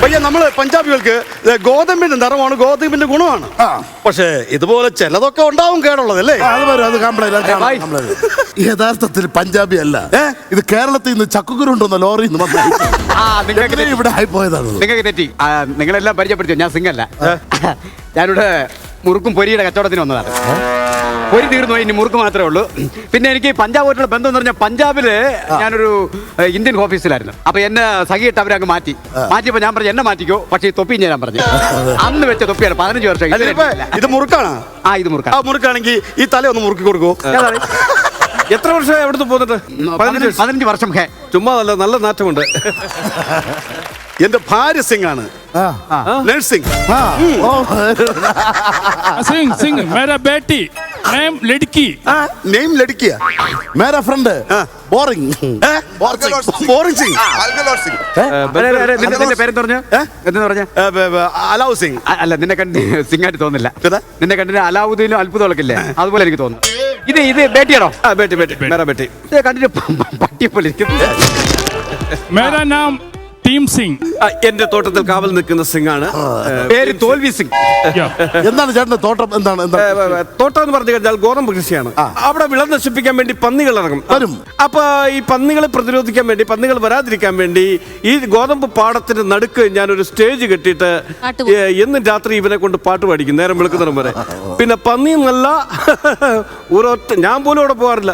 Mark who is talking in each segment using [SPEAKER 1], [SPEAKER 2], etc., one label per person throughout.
[SPEAKER 1] പയ്യ നമ്മള് പഞ്ചാബികൾക്ക് ഗോതമ്പിന്റെ നിറമാണ്, ഗോതമ്പിന്റെ ഗുണമാണ്. പക്ഷേ ഇതുപോലെ ചിലതൊക്കെ ഉണ്ടാവും കേടുള്ളതല്ലേ.
[SPEAKER 2] യഥാർത്ഥത്തിൽ പഞ്ചാബി അല്ല, ഇത് കേരളത്തിൽ നിന്ന് ചക്കുകുരു ഉണ്ടോന്ന ലോറിയിൽ നിന്ന് ഇവിടെ ആയി പോയതാണ്.
[SPEAKER 3] നിങ്ങൾക്ക് തെറ്റി. നിങ്ങളെല്ലാം പരിചയപ്പെടുത്തിയോ? ഞാൻ സിംഗല്ല. ഞാനിവിടെ മുറുക്കും പൊരിയുടെ കച്ചവടത്തിന് വന്നതാണ്. പൊരി തീർന്നു, ഇനി മുറുക്ക് മാത്രമേ ഉള്ളൂ. പിന്നെ എനിക്ക് പഞ്ചാബുമായിട്ടുള്ള ബന്ധം എന്ന് പറഞ്ഞാൽ പഞ്ചാബില് ഞാനൊരു ഇന്ത്യൻ ഓഫീസിലായിരുന്നു. അപ്പൊ എന്നെ സഖിയിട്ട് അവരങ്ങ് മാറ്റിയപ്പോ ഞാൻ പറഞ്ഞു എന്നെ മാറ്റിക്കോ, പക്ഷേ ഈ തൊപ്പി ഞാൻ പറഞ്ഞു. അന്ന് വെച്ച തൊപ്പിയാണ് 15 വർഷം.
[SPEAKER 1] ഇത് മുറുക്കാണ്.
[SPEAKER 3] ഇത് മുറുക്കാണ്.
[SPEAKER 1] മുറുക്കാണെങ്കിൽ ഈ തല ഒന്ന് മുറുക്കി കൊടുക്കൂ.
[SPEAKER 4] എത്ര വർഷമായി അവിടുന്ന് പോന്നിട്ട്?
[SPEAKER 3] 15 വർഷം.
[SPEAKER 4] ചുമ്മാ നല്ല നാറ്റമുണ്ട്.
[SPEAKER 1] എന്റെ ഭാര്യ സിംഗ് ആണ്. നഴ്സിംഗ്.
[SPEAKER 5] सिंह मेरा बेटी नेम लड़की
[SPEAKER 1] നെയിം ലടുക്കിയ
[SPEAKER 2] മേരാ ഫ്രണ്ട് ബോറിംഗ്
[SPEAKER 1] ബോറിംഗ് സിംഗ്.
[SPEAKER 3] നിന്റെ പേരെന്ന് പറഞ്ഞ എന്ന് പറഞ്ഞ
[SPEAKER 1] അലാവ് സിംഗ്.
[SPEAKER 3] അല്ല, നിന്നെ കണ്ട് സിംഗായിട്ട് തോന്നില്ല. നിന്നെ കണ്ടിട്ട് അലാവുദ്ദീനും അത്ഭുതമൊക്കെ ഇല്ലേ, അതുപോലെ എനിക്ക് തോന്നുന്നു. ഇത് ബേട്ടിയാണോ?
[SPEAKER 4] ബേട്ടി
[SPEAKER 3] കണ്ടിട്ട് പട്ടിയെ പോലെ ഇരിക്കും.
[SPEAKER 5] मेरा नाम ടീം സിംഗ്.
[SPEAKER 4] എന്റെ തോട്ടത്തിൽ കാവൽ നിൽക്കുന്ന സിംഗ് ആണ്.
[SPEAKER 3] പേര് തോൽവി സിംഗ്.
[SPEAKER 2] എന്താണ് ചേട്ടന്റെ തോട്ടം? എന്താണ്
[SPEAKER 4] തോട്ടം എന്ന് പറഞ്ഞു കഴിഞ്ഞാൽ ഗോതമ്പ് കൃഷിയാണ്. അവിടെ വിള നശിപ്പിക്കാൻ വേണ്ടി പന്നികൾ ഇറങ്ങും. അപ്പൊ ഈ പന്നികളെ പ്രതിരോധിക്കാൻ വേണ്ടി, പന്നികൾ വരാതിരിക്കാൻ വേണ്ടി ഈ ഗോതമ്പ് പാടത്തിന്റെ നടുക്ക് ഞാനൊരു സ്റ്റേജ് കെട്ടിയിട്ട് എന്നും രാത്രി ഇവനെ കൊണ്ട് പാട്ട് പാടിക്കും നേരം വെളുക്കുന്നതിനും വരെ. പിന്നെ പന്നി നല്ല ഒരൊറ്റ ഞാൻ പോലും അവിടെ പോകാറില്ല.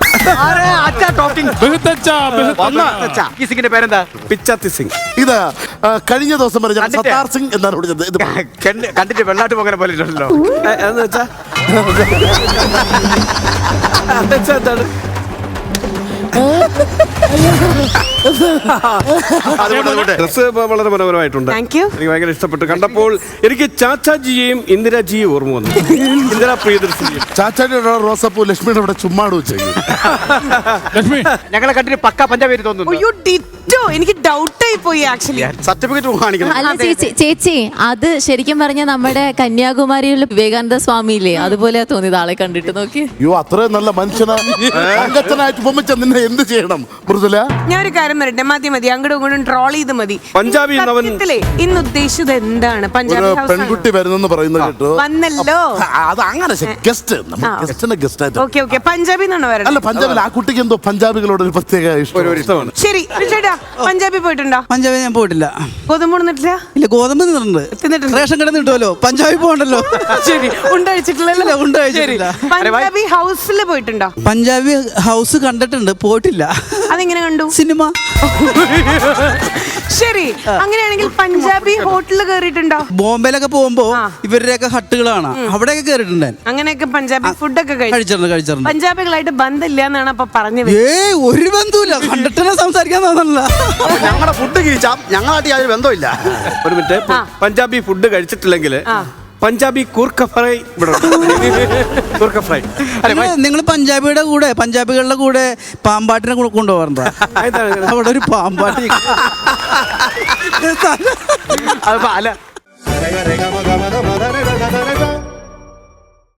[SPEAKER 3] ഈ സിംഗിന്റെ പേരെന്താ?
[SPEAKER 4] പിച്ചാത്തി സിംഗ്.
[SPEAKER 2] ഇത് കഴിഞ്ഞ ദിവസം പറഞ്ഞ സത്താർ സിംഗ് എന്നാണ് വിളിച്ചത്.
[SPEAKER 3] കണ്ടിട്ട് വെള്ളാട്ട് പോകാൻ പോലെ ഉണ്ടല്ലോ.
[SPEAKER 4] എന്ന് വെച്ചാ എന്താണ്? ഡ്രസ് വളരെ മനോഹരമായിട്ടുണ്ട്. എനിക്ക് ഭയങ്കര ഇഷ്ടപ്പെട്ടു. കണ്ടപ്പോൾ എനിക്ക് ചാച്ചാജിയെയും ഇന്ദിരാജിയെയും ഓർമ്മ വന്നു. ഇന്ദിരാ പ്രിയദർശിനിയും.
[SPEAKER 2] ചാച്ചാജിയുടെ റോസപ്പൂ ലക്ഷ്മിയുടെ ഇവിടെ ചുമ്മാട് വെച്ചു.
[SPEAKER 3] ഞങ്ങളെ കണ്ടിട്ട് പക്ക പഞ്ചാബി തോന്നുന്നു.
[SPEAKER 6] എനിക്ക് ഡൗട്ടായി പോയി. ആക്ച്വലി
[SPEAKER 1] സർട്ടിഫിക്കറ്റ് കാണിക്കണം.
[SPEAKER 7] അല്ല ചേച്ചി, അത് ശരിക്കും പറഞ്ഞ നമ്മുടെ കന്യാകുമാരിയിലെ വിവേകാനന്ദ സ്വാമിയില്ലേ, അതുപോലെ തോന്നിയത് ആളെ കണ്ടിട്ട്. നോക്കി,
[SPEAKER 2] അയ്യോ അത്രയും നല്ല മനുഷ്യനായിട്ട് പൊമ്മിച്ച നിന്നെ എന്ത് ചെയ്യണം മൃദുല?
[SPEAKER 6] ഞാൻ ഒരു കാര്യം പറയട്ടെ, മതി അങ്ങോട്ടും ഇങ്ങോട്ടും ട്രോൾ ചെയ്ത് മതി.
[SPEAKER 4] പഞ്ചാബി
[SPEAKER 6] ഇന്ന് ഉദ്ദേശിച്ചത് എന്താണ്? പഞ്ചാബി
[SPEAKER 2] പെൺകുട്ടി വരുന്നെന്ന് പറയുന്നത് കേട്ടോ.
[SPEAKER 6] വന്നല്ലോ.
[SPEAKER 2] അത് അങ്ങനെ ഗസ്റ്റ്.
[SPEAKER 6] ഓക്കെ പഞ്ചാബി എന്നാണ് പറയുന്നത്.
[SPEAKER 2] അല്ല, പഞ്ചാബിൽ ആ കുട്ടിക്ക് എന്തോ പഞ്ചാബികളോട് ഒരു പ്രത്യേക ഇഷ്ടമാണ്.
[SPEAKER 6] ശരി ചേട്ടാ, പഞ്ചാബി പോയിട്ടുണ്ടോ?
[SPEAKER 8] പഞ്ചാബി ഞാൻ പോയിട്ടില്ല.
[SPEAKER 6] ഗോതമ്പ് തിന്നിട്ടില്ല?
[SPEAKER 8] ഇല്ല, ഗോതമ്പ് തിന്നിട്ടുണ്ട്. റേഷൻ കട കിട്ടുമല്ലോ. പഞ്ചാബി പോകണ്ടല്ലോ.
[SPEAKER 6] ശരി, ഉണ്ടായിട്ടില്ലല്ലോ. പഞ്ചാബി ഹൗസിൽ പോയിട്ടുണ്ടോ?
[SPEAKER 8] പഞ്ചാബി ഹൗസ് കണ്ടിട്ടുണ്ട്, പോയിട്ടില്ല.
[SPEAKER 6] അതെങ്ങനെ കണ്ടു?
[SPEAKER 8] സിനിമ.
[SPEAKER 6] ശരി, അങ്ങനെയാണെങ്കിൽ പഞ്ചാബി ഹോട്ടലിൽ കയറിയിട്ടുണ്ടോ?
[SPEAKER 8] ബോംബെയിലൊക്കെ പോകുമ്പോ ഇവരുടെയൊക്കെ ഹട്ടുകളാണ്, അവിടെയൊക്കെ കയറിയിട്ടുണ്ട്.
[SPEAKER 6] അങ്ങനെയൊക്കെ പഞ്ചാബി ഫുഡൊക്കെ
[SPEAKER 8] കഴിച്ചിട്ടുണ്ട്.
[SPEAKER 6] പഞ്ചാബികളായിട്ട് ബന്ധമില്ല എന്നാണ് അപ്പൊ പറഞ്ഞത്.
[SPEAKER 8] ഒരു ബന്ധമില്ല, കണ്ടിട്ട് സംസാരിക്കാൻ തോന്നല്ല.
[SPEAKER 1] ഞങ്ങളുടെ ഫുഡ് കഴിച്ചാൽ ഞങ്ങളായിട്ട് യാതൊരു ബന്ധമില്ല.
[SPEAKER 4] ഒരു മിനിറ്റ്, പഞ്ചാബി ഫുഡ് കഴിച്ചിട്ടില്ലെങ്കിൽ പഞ്ചാബി കൂർക്ക ഫ്രൈ കൂർക്ക ഫ്രൈ.
[SPEAKER 8] നിങ്ങൾ പഞ്ചാബികളുടെ കൂടെ പാമ്പാട്ടിനെ കൊണ്ടുപോകാറുണ്ടോ? അവിടെ ഒരു പാമ്പാട്ടി.
[SPEAKER 3] അല്ല